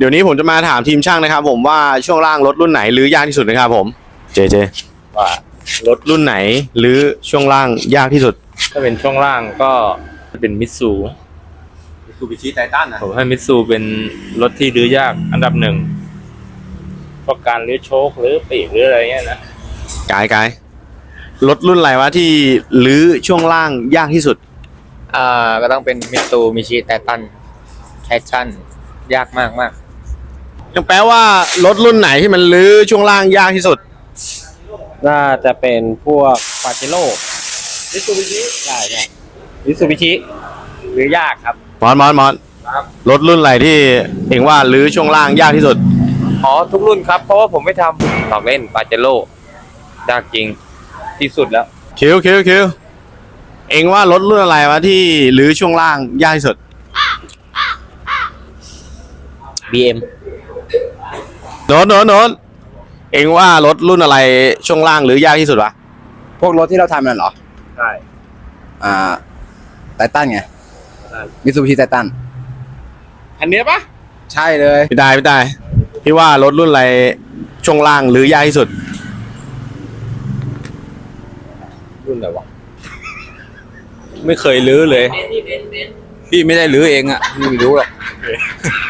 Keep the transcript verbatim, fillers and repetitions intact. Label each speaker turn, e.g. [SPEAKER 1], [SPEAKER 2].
[SPEAKER 1] เดี๋ยวนี้ผมจะมาถามทีมช่างนะครับผมว่าช่วงล่างรถรุ่นไหนรื้อยากที่สุดนะครับผมเจเจว่ารถรุ่นไหนรื้อช่วงล่างยากที่สุด
[SPEAKER 2] ถ้าเป็นช่วงล่างก็เป็นมิตซู
[SPEAKER 1] มิตซูบิชิไททันนะ
[SPEAKER 2] ผมให้มิตซูเป็นรถที่รื้อยากอันดับหนึ่งเพราะการรื้อโชคหรือปีกหรืออะไรเงี้ยนะ
[SPEAKER 1] กายกายรถรุ่นอะไรวะที่รื้อช่วงล่างยากที่สุด
[SPEAKER 3] อ่าก็ต้องเป็นมิตซูมิชิไททันแคชชั่นยากมากมาก
[SPEAKER 1] ยังแปลว่ารถรุ่นไหนที่มันรื้อช่วงล่างยากที่สุด
[SPEAKER 3] น่าจะเป็นพวกปาเจโร่
[SPEAKER 1] มิตซูบิชิ
[SPEAKER 3] ใช่ใช่มิตซูบิชิหรือยากครับ
[SPEAKER 1] มอนมอนมอนรถรุ่นอะไรที่เองว่ารื้อช่วงล่างยากที่สุด
[SPEAKER 3] อ๋อทุกรุ่นครับเพราะว่าผมไม่ทำหลอกเล่นปาเจโร่ยากจริงที่สุดแล้ว
[SPEAKER 1] คิวคิวคิวเองว่ารถรุ่นอะไรวะที่รื้อช่วงล่างยากที่สุด
[SPEAKER 3] บี เอ็ม
[SPEAKER 1] โน้นโน้นโน้นเองว่ารถรุ่นอะไรช่วงล่างรื้อยากที่สุดวะ
[SPEAKER 4] พวกรถที่เราทำนั่นเหรอ
[SPEAKER 2] ใช่
[SPEAKER 4] อ่าไททันไงมิตซูบิชิไททัน
[SPEAKER 1] อันเนี้ยปะ
[SPEAKER 4] ใช่เลย
[SPEAKER 1] พี่ได้พี่ได้พี่ว่ารถรุ่นอะไรช่วงล่างรื้อยากที่สุด
[SPEAKER 2] รุ่นอะไรวะไม่เคยรื้อเลยพี่ไม่ได้รื้อเองอ่ะพี่ไม่รู้หรอก